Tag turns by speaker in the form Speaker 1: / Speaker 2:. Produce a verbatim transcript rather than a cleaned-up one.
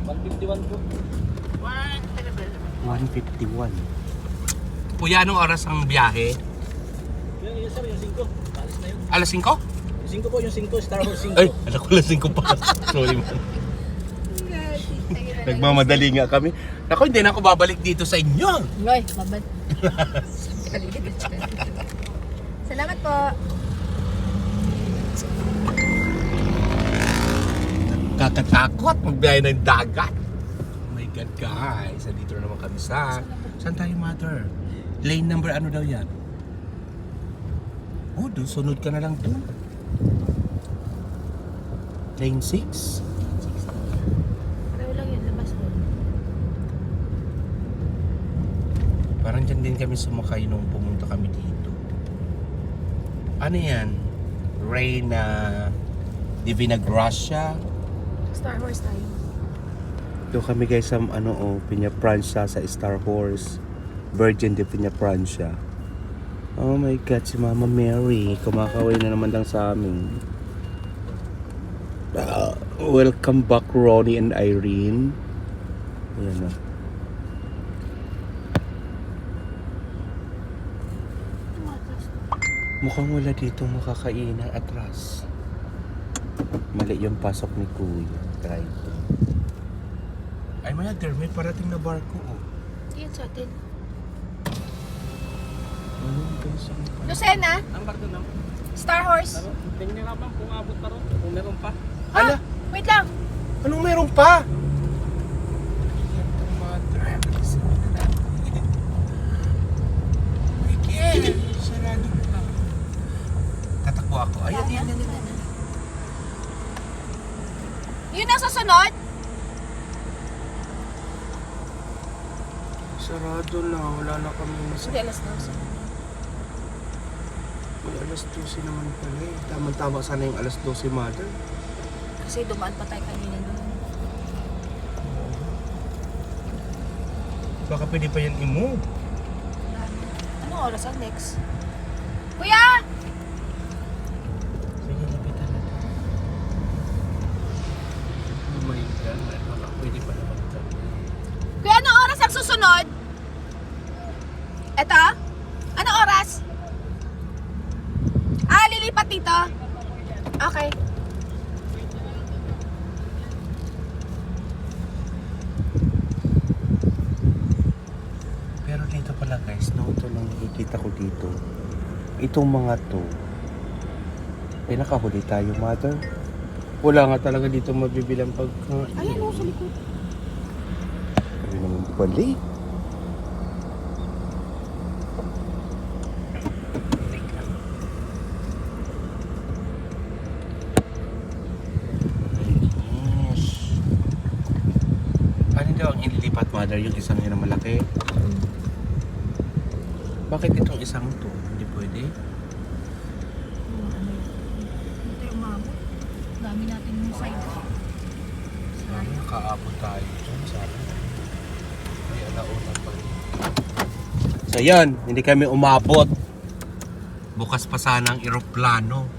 Speaker 1: one fifty-one po.
Speaker 2: one fifty-one.
Speaker 3: Kuya, anong oras ang biyahe?
Speaker 1: Yung, yung sir, yung singko. Alis na yun.
Speaker 3: Alas singko?
Speaker 1: Yung singko po, yung singko. Star Wars singko.
Speaker 3: Ay, alam ko alas singko pa. Sorry man. Nagmamadali nga kami. Naku, hindi na ako babalik dito sa inyo.
Speaker 4: Ngoy, babad. Salamat po.
Speaker 3: Kakatakot magbiyahe ng dagat. Oh my God, guys. Nandito na naman kami sa... Saan tayo, mother? Lane number ano daw yan? Oh, doon. Sunod ka na lang doon. Lane six?
Speaker 4: Pero lang yun, labas mo.
Speaker 3: Parang dyan din kami sumakay nung pumunta kami dito. Ano yan? Reina Divina Gracia.
Speaker 4: Star Wars tayo.
Speaker 2: Doon kami guys sa ano oh, Piña Francia sa Star Horse. Virgin de Piña Francia. Oh my God, si Mama Mary. Kumakaway na naman lang sa amin. Ah, welcome back Ronnie and Irene. Ayan na. Mukhang wala dito makakainan atras. Mali yung pasok ni Kuya. Try to.
Speaker 3: Ay, mother, may parating na barko. Oh.
Speaker 4: Yan sa atin.
Speaker 2: Ano guys?
Speaker 4: Lucena,
Speaker 1: Ang barko na.
Speaker 4: Star Horse.
Speaker 1: Pero, tingnan nyo naman kung abot pa ron. Kung meron pa.
Speaker 3: Ala,
Speaker 4: Ah, wait lang.
Speaker 3: anong meron pa? Miguel, sarado pa. Tatakbo ako. Ayan, yan, yan, yan.
Speaker 4: Yun ang susunod?
Speaker 2: Sarado na. Wala na kami
Speaker 4: Hindi,
Speaker 2: masaya.
Speaker 4: alas dos.
Speaker 2: May alas dose naman pala eh. Tama-tama sana yung alas dose, mother.
Speaker 4: Kasi dumaan pa tayo kanina doon.
Speaker 3: Baka pwede pa yan i-move.
Speaker 4: Anong oras ang next? Kuya!
Speaker 3: Sige, lapitan natin. Oh my God, baka pwede pa naman ito.
Speaker 4: Kuya, anong oras ang susunod? Eto? Anong oras? Ah, lilipat dito? Okay.
Speaker 3: Pero dito pala guys, no?
Speaker 2: Ito lang nakikita ko dito. Itong mga to. Pinakahuli tayo, mother. Wala nga talaga dito mabibilang pagkain.
Speaker 4: Ayan o, sa likod.
Speaker 2: Kami naman balik.
Speaker 3: Yes. Ano daw ang ililipat, mother? Yung isang yun na malaki? Bakit itong isang to? Hindi pwede?
Speaker 4: Hindi tayo umabot. Dami natin yung side.
Speaker 3: Ano, kaabot tayo dyan. Sana. May alauna pa rin. So yan, hindi kami umabot. Bukas pa sana ang eroplano.